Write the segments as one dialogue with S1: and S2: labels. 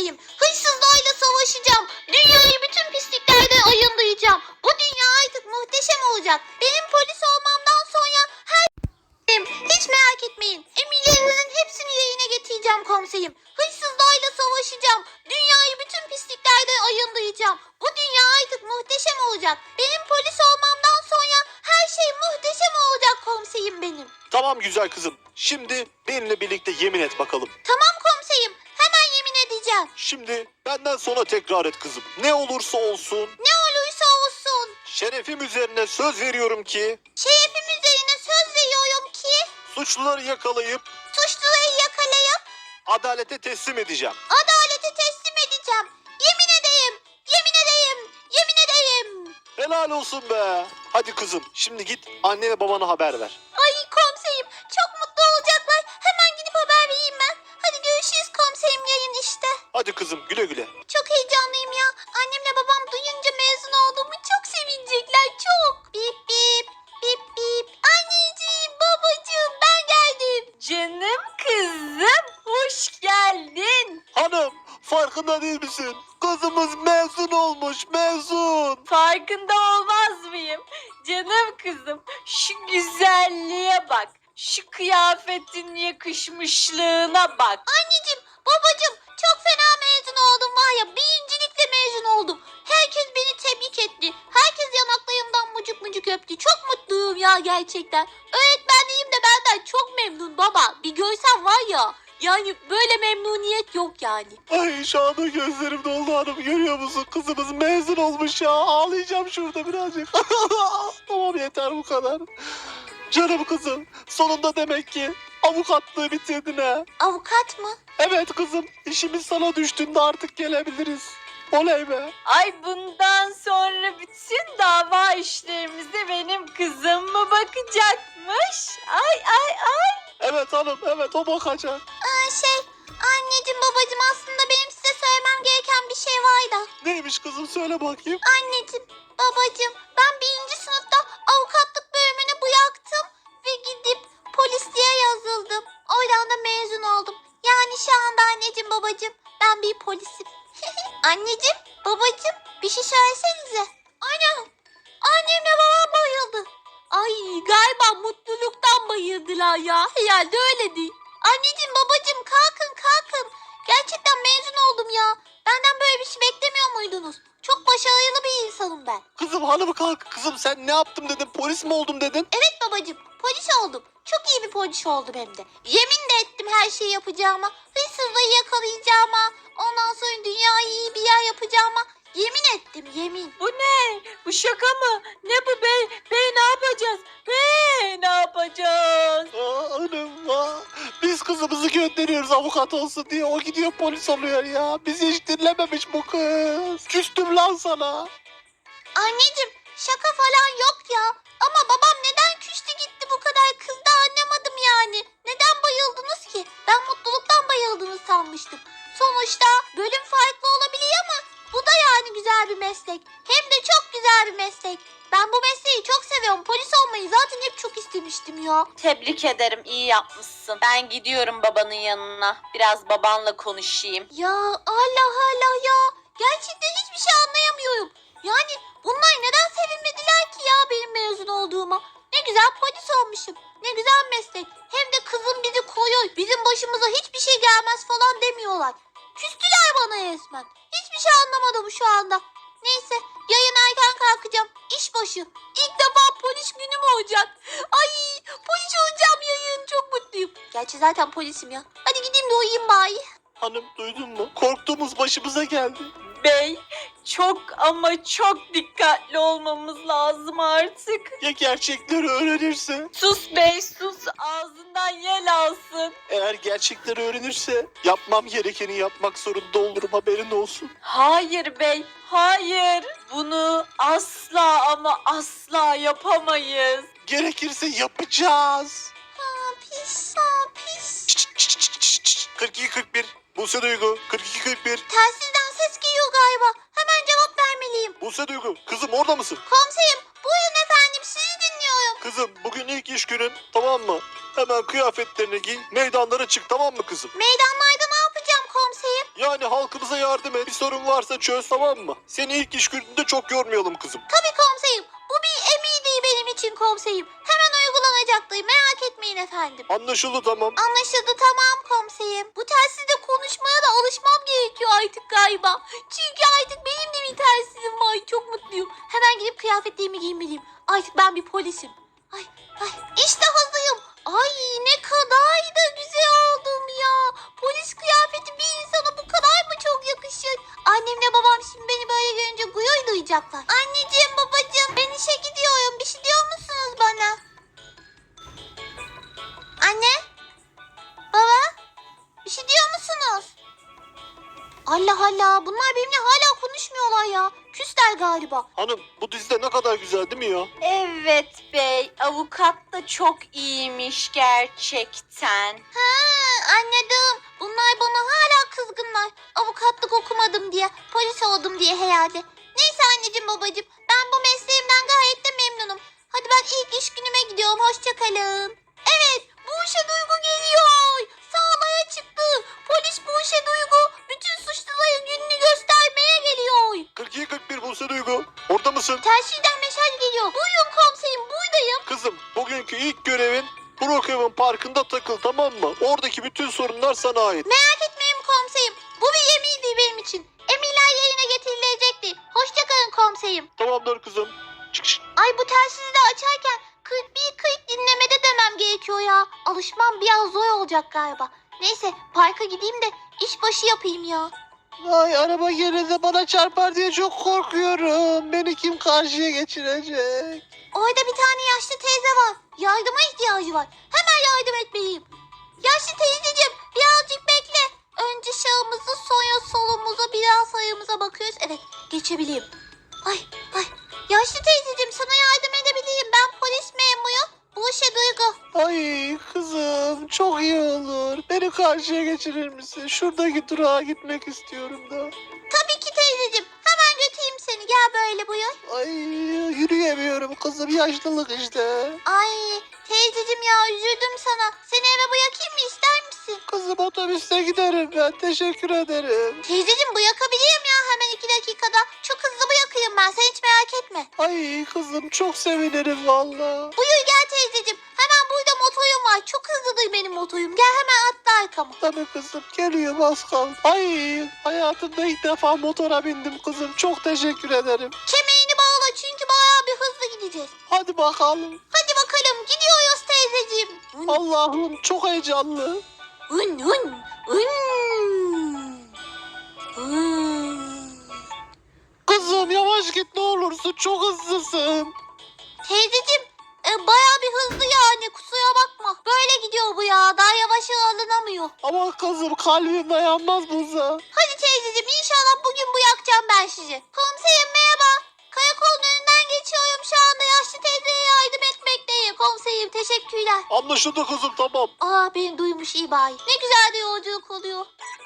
S1: komiserim. Hırsızlarla savaşacağım. Dünyayı bütün pisliklerden ayındıracağım. Bu dünya artık muhteşem olacak. Benim polis olmamdan sonra hiç merak etmeyin. Emirlerinizin hepsini yerine getireceğim komiserim. Hırsızlarla savaşacağım. Dünyayı bütün pisliklerden ayındıracağım. Bu dünya artık muhteşem olacak. Benim polis olmamdan sonra her şey muhteşem olacak komiserim benim.
S2: Tamam güzel kızım. Şimdi benimle birlikte yemin et bakalım.
S1: Tamam komiserim. Hemen yemin edeceğim.
S2: Şimdi benden sonra tekrar et kızım. Ne olursa olsun
S1: Ne olursa olsun.
S2: şerefim üzerine söz veriyorum ki
S1: Şerefim üzerine söz veriyorum ki
S2: suçluları yakalayıp
S1: suçluları yakalayıp
S2: adalete teslim edeceğim.
S1: adalete teslim edeceğim. Yemin edeyim. Yemin edeyim. Yemin edeyim.
S2: Helal olsun be. Hadi kızım şimdi git annene babana haber ver.
S1: Ay komiserim çok mutlu olacaklar. Hemen gidip haber vereyim ben. Hadi görüşürüz komiserim yarın işte.
S2: Hadi kızım güle güle.
S1: Çok heyecanlıyım ya. Annemle babam duyunca mezun olduğumu çok sevinecekler çok. Bip bip bip bip. Anneciğim babacığım ben geldim.
S3: Canım kızım hoş geldin.
S2: Hanım farkında değil misin? Kızımız mezun olmuş mezun.
S3: Farkında olmaz mıyım? Canım kızım şu güzelliğe bak. Şu kıyafetin yakışmışlığına bak.
S1: Anneciğim babacığım çok fena mezun oldum var ya. Birincilikle mezun oldum. Herkes beni tebrik etti. Herkes yanaklarımdan mucuk mucuk öptü. Çok mutluyum ya gerçekten. Öğretmenliğim de benden çok memnun baba. Bir görsen var ya. Yani böyle memnuniyet yok yani.
S2: Ay şu anda gözlerim doldu hanım görüyor musun? Kızımız mezun olmuş ya. Ağlayacağım şurada birazcık. Tamam yeter bu kadar. Canım kızım sonunda demek ki avukatlığı bitirdin ha.
S1: Avukat mı?
S2: Evet kızım işimiz sana düştüğünde artık gelebiliriz. Oley be.
S3: Ay bundan sonra bütün dava işlerimize benim kızım mı bakacakmış? Ay.
S2: Evet hanım evet o bakacak.
S1: Anneciğim babacığım aslında benim size söylemem gereken bir şey var da.
S2: Neymiş kızım söyle bakayım.
S1: Anneciğim babacığım ben birinci sınıfta avukatlık bölümünü bıraktım ve gidip polisliğe yazıldım. Oradan da mezun oldum. Yani şu anda anneciğim babacığım ben bir polisim. Anneciğim babacığım bir şey söylesenize. Annemle babam bayıldı. Ay galiba mutluluktan bayıldılar ya. Herhalde öyle değil. Anneciğim babacığım kalkın. Gerçekten mezun oldum ya. Benden böyle bir şey beklemiyor muydunuz? Çok başarılı bir insanım ben.
S2: Kızım hanım kalk. Kızım sen ne yaptım dedin polis mi oldum dedin.
S1: Evet babacığım polis oldum. Çok iyi bir polis oldum hem de. Yemin de ettim her şeyi yapacağıma. Hırsızlığı yakalayacağıma. Ondan sonra dünyayı iyi bir yer yapacağıma. Yemin ettim yemin.
S3: Bu ne? Bu şaka mı? Ne bu bey? Bey ne yapacağız? Bey ne yapacağız?
S2: Hanım biz kızımızı gönderiyoruz avukat olsun diye. O gidiyor polis oluyor ya. Bizi hiç dinlememiş bu kız. Küstüm lan sana.
S1: Anneciğim şaka falan yok ya. Ama babam neden küstü gitti bu kadar kızdı anlamadım yani. Neden bayıldınız ki? Ben mutluluktan bayıldınız sanmıştım. Sonuçta bölüm farklı olabilir ama bu da yani güzel bir meslek. Hem de çok güzel bir meslek. Ben bu mesleği çok seviyorum. Polis olmayı zaten hep çok istemiştim ya.
S3: Tebrik ederim iyi yapmışsın. Ben gidiyorum babanın yanına. Biraz babanla konuşayım.
S1: Ya Allah Allah ya. Gerçekten hiçbir şey anlayamıyorum. Yani bunlar neden sevinmediler ki ya benim mezun olduğuma? Ne güzel polis olmuşum. Ne güzel meslek. Hem de kızım bizi koruyor. Bizim başımıza hiçbir şey gelmez falan demiyorlar. Küstüler bana resmen. Hiçbir şey anlamadım şu anda. Neyse yarın erken kalkacağım. İşbaşı. İlk defa polis günüm olacak. Ay polis olacağım yarın. Çok mutluyum. Gerçi zaten polisim ya. Hadi gideyim de uyuyayım bari.
S2: Hanım duydun mu? Korktuğumuz başımıza geldi.
S3: Bey çok ama çok dikkatli olmamız lazım artık.
S2: Ya gerçekleri öğrenirse?
S3: Sus bey sus ağzından yel alsın.
S2: Eğer gerçekleri öğrenirse yapmam gerekeni yapmak zorunda olurum haberin olsun.
S3: Hayır bey hayır. Bunu asla ama asla yapamayız.
S2: Gerekirse yapacağız.
S1: Pis pis.
S2: 42-41 Buse Duygu 42-41
S1: Telsizden ses geliyor galiba. Hemen cevap vermeliyim.
S2: Buse Duygu kızım orada mısın?
S1: Komiserim buyurun efendim sizi dinliyorum.
S2: Kızım bugün ilk iş günün tamam mı? Hemen kıyafetlerini giy meydanlara çık tamam mı kızım?
S1: Meydanlarda ne yapacağım komiserim?
S2: Yani halkımıza yardım et. Bir sorun varsa çöz, tamam mı? Seni ilk iş gününde çok yormayalım kızım.
S1: Tabii komiserim. Bu bir emirdi benim için komiserim. Hemen uygulanacaktır. Merak etmeyin efendim.
S2: Anlaşıldı, tamam.
S1: Anlaşıldı, tamam komiserim. Bu telsizle konuşmaya da alışmam gerekiyor artık galiba. Çünkü artık benim de bir telsizim var. Çok mutluyum. Hemen gidip kıyafetlerimi giymeliyim. Artık ben bir polisim. Ay ay işte hazırım. Ay ne kadar da güzel oldum ya. Polis kıyafeti bir insana bu kadar mı çok yakışır? Annemle babam şimdi beni böyle görünce gurur duyacaklar. Anneciğim, babacığım, ben işe gidiyorum. Bir şey diyor musunuz bana? Anne? Baba? Bir şey diyor musunuz? Allah Allah, bunlar benimle hala konuşmuyorlar ya. Küsler galiba.
S2: Hanım, bu dizide ne kadar güzel değil mi ya?
S3: Evet bey, avukat da çok iyiymiş gerçekten.
S1: Anladım. Bunlar bana hala kızgınlar. Avukatlık okumadım diye, polis oldum diye herhalde. Neyse anneciğim, babacığım, ben bu mesleğimden gayet de memnunum. Hadi ben ilk iş günüme gidiyorum. Hoşça kalın. Evet, Buse Duygu geliyor. Sağlaya çıktı. Polis Buse Duygu bütün suçluların gününü göstermeye geliyor.
S2: 42-41 Buse Duygu. Orada mısın?
S1: Telsizden mesaj geliyor. Buyurun komiserim, buradayım.
S2: Kızım, bugünkü ilk görevin Brookhaven Parkı'nda takıl, tamam mı? Oradaki bütün sorunlar sana ait.
S1: Merak etmeyin komiserim. Bu bir emirdi benim için. Emirler yerine getirilecekti. Hoşça kalın komiserim.
S2: Tamamdır kızım. Çık çık.
S1: Ay, bu telsizi de açarken 41-40 dinlemede demem gerekiyor ya. Alışmam biraz zor olacak galiba. Neyse, parka gideyim de işbaşı yapayım ya.
S2: Ay, araba yerinde bana çarpar diye çok korkuyorum. Beni kim karşıya geçirecek?
S1: Orada bir tane yaşlı teyze var. Yardıma ihtiyacı var. Hemen yardım etmeliyim. Yaşlı teyzeciğim, birazcık bekle. Önce sağımızı, sonra solumuza, biraz sağımıza bakıyoruz. Evet, geçebileyim. Ay ay. Yaşlı teyzeciğim, sana yardım edebileyim. Ben polis memuruyum. Buse Duygu.
S2: Ay kızım, çok iyi olur. Beni karşıya geçirir misin? Şuradaki durağa gitmek istiyorum da.
S1: Tabii ki teyzeciğim. Hemen götüreyim seni. Gel böyle, buyur.
S2: Ay, yürüyemiyorum kızım, yaşlılık işte.
S1: Ay teyzeciğim ya, üzüldüm sana. Seni eve bırakayım mı, ister misin?
S2: Kızım, otobüste giderim ben, teşekkür ederim.
S1: Teyzeciğim, bırakabilirim ya hemen 2 dakikada. Çok hızlı bırakayım ben, sen hiç merak etme.
S2: Ay kızım, çok sevinirim valla.
S1: Buyur gel teyzeciğim. Hemen burada motorum var. Çok hızlıdır benim motorum. Gel hemen atla arkama.
S2: Tabii kızım, geliyorum, az kaldı. Ay, hayatımda ilk defa motora bindim kızım, çok teşekkür ederim.
S1: Kemerini bağla çünkü bayağı bir hızlı gideceğiz.
S2: Hadi bakalım.
S1: Hadi bakalım, gidiyoruz teyzeciğim.
S2: Allah'ım, çok heyecanlı.
S1: Hın hın hın.
S2: Kızım, yavaş git ne olursun, çok hızlısın.
S1: Teyzeciğim, bayağı bir hızlı yani, kusura bakma. Böyle gidiyor bu ya, daha yavaşı alınamıyor.
S2: Ama kızım, kalbim dayanmaz buna.
S1: Hadi teyzeciğim, inşallah bugün bırakacağım ben sizi. Komiserim merhaba. Karakolun önünden geçiyorum şu anda, yaşlı teyzeye yardım etmekteyim. Komiserim teşekkürler.
S2: Anlaşıldı kızım, tamam.
S1: Aa, beni duymuş, iyi bari. Ne güzel de yolculuk oluyor.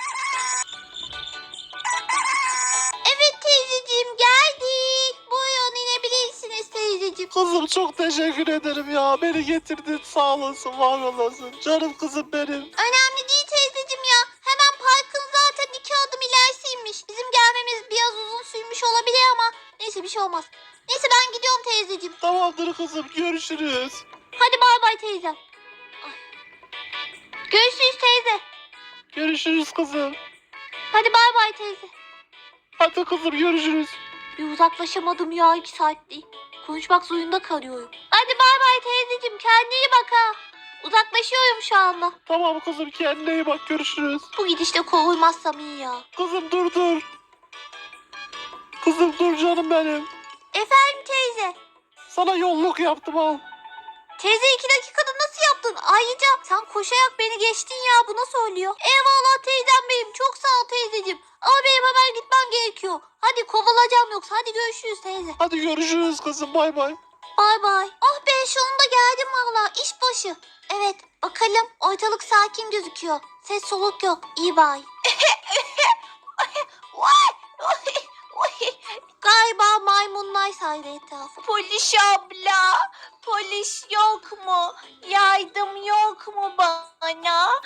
S1: Evet teyzeciğim, geldik. Buyurun, inebilirsiniz teyzeciğim.
S2: Kızım, çok teşekkür ederim ya. Beni getirdin, sağ olasın, var olasın. Canım kızım benim.
S1: Önemli değil teyzeciğim ya. Hemen parkın zaten 2 adım ilerisiymiş. Bizim gelmemiz biraz uzun sürmüş olabilir ama neyse, bir şey olmaz. Neyse, ben gidiyorum teyzeciğim.
S2: Tamamdır kızım, görüşürüz.
S1: Hadi bay bay teyzem. Ay. Görüşürüz teyze.
S2: Görüşürüz kızım.
S1: Hadi bay bay teyze.
S2: Hadi kızım, görüşürüz.
S1: Bir uzaklaşamadım ya, 2 saattir. Konuşmak zorunda kalıyorum. Hadi bay bay teyzeciğim, kendine iyi bak ha. Uzaklaşıyorum şu anda.
S2: Tamam kızım, kendine iyi bak, görüşürüz.
S1: Bu gidişle kovulmazsam iyi ya.
S2: Kızım, dur dur. Kızım, dur canım benim.
S1: Efendim teyze.
S2: Sana yolluk yaptım, al.
S1: Teyze, 2 dakikada nasıl yaptın? Ayrıca sen koşarak beni geçtin ya, bu nasıl oluyor? Eyvallah teyzem benim, çok sağ ol teyzeciğim. Ama benim hemen gitmem gerekiyor. Hadi kovulacağım yoksa, hadi görüşürüz teyze.
S2: Hadi görüşürüz kızım, bay bay.
S1: Bay bay. Oh be, sonunda geldim valla, iş başı. Evet, bakalım, ortalık sakin gözüküyor. Ses soluk yok, iyi bay. Galiba maymunlar saydı etrafı.
S3: Polis abla, polis yok mu? Yardım yok mu bana?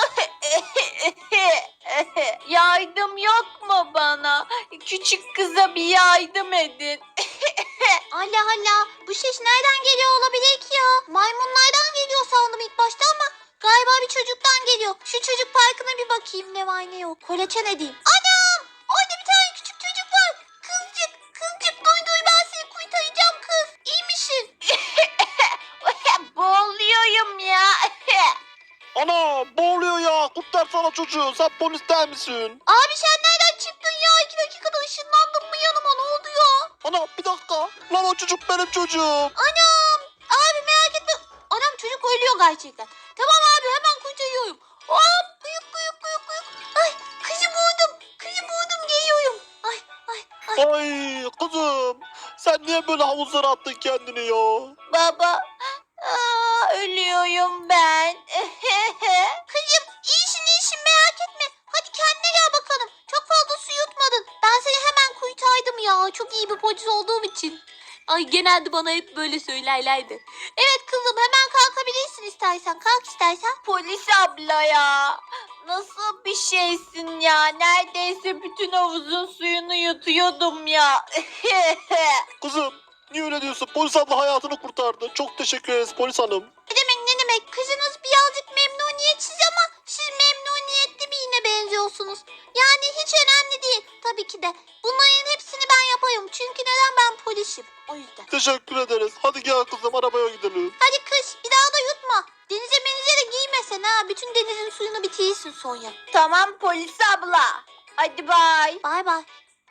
S3: Yardım yok mu bana? Küçük kıza bir yardım edin.
S1: Allah Allah, bu ses nereden geliyor olabilir ki ya? Maymunlardan geliyor sandım ilk başta ama galiba bir çocuktan geliyor. Şu çocuk parkına bir bakayım ne var ne yok. Kolaçan edeyim. Anam! Orada bir tane küçük çocuk var. Kızcık duy ben seni kurtaracağım kız. İyi misin?
S3: Boğuluyorum ya.
S2: Ana boğuluyor ya. Kurtarsana çocuğu. Sen polis değil misin?
S1: Abi sen nereden çıktın ya? 2 dakikada ışınlandın mı yanıma ne oldu ya?
S2: Ana bir dakika. Lan o çocuk benim çocuğum.
S1: Anam! Abi merak etme. Anam çocuk ölüyor gerçekten. Tamam abi hemen kurtarıyorum. Hop kıyık. Ay kızı buldum geliyorum. Ay.
S2: Ay kızım. Sen niye böyle havuzlara attın kendini ya?
S3: Baba, ölüyorum ben.
S1: Kızım iyisin merak etme. Hadi kendine gel bakalım. Çok fazla su yutmadın. Ben seni hemen kurtardım ya. Çok iyi bir polis olduğum için. Ay genelde bana hep böyle söylerlerdi. Evet kızım hemen kalkabilirsin istersen. Kalk istersen.
S3: Polis abla ya. Nasıl bir şeysin ya? Neredeyse bütün havuzun suyunu yutuyordum ya.
S2: Kızım niye öyle diyorsun? Polis abla hayatını kurtardı. Çok teşekkür ederiz polis hanım.
S1: Ne demek kızınız birazcık memnuniyetsiz ama siz memnuniyetli birine benziyorsunuz. Yani hiç önemli değil tabii ki de. Bunların hepsini ben yaparım çünkü neden ben polisim o yüzden.
S2: Teşekkür ederiz. Hadi gel kızım arabaya gidelim.
S1: Hadi kız bir daha da yutma. Denize de giymesen ha. Bütün denizin suyunu bitirirsin Sonya.
S3: Tamam polis abla. Hadi bay.
S1: Bay bay.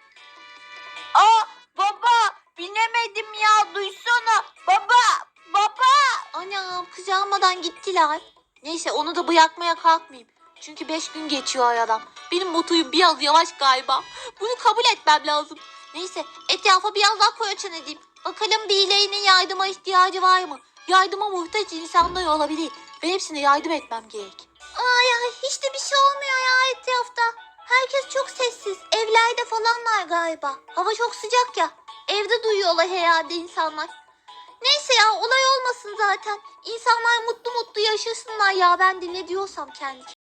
S3: Aa baba binemedim ya duysana. Baba.
S1: Anam kız almadan gittiler. Neyse onu da bırakmaya kalkmayayım. Çünkü 5 gün geçiyor aradan. Benim motorum biraz yavaş galiba. Bunu kabul etmem lazım. Neyse etrafa biraz daha koyaçan edeyim. Bakalım birilerinin yardıma ihtiyacı var mı? Yardıma muhtaç insanlar olabilir. Ve hepsine yardım etmem gerek. Ay hiç de bir şey olmuyor ya etrafta. Herkes çok sessiz. Evlerde falanlar galiba. Hava çok sıcak ya. Evde duyuyorlar herhalde insanlar. Neyse ya olay olmasın zaten. İnsanlar mutlu yaşasınlar ya ben de ne diyorsam kendi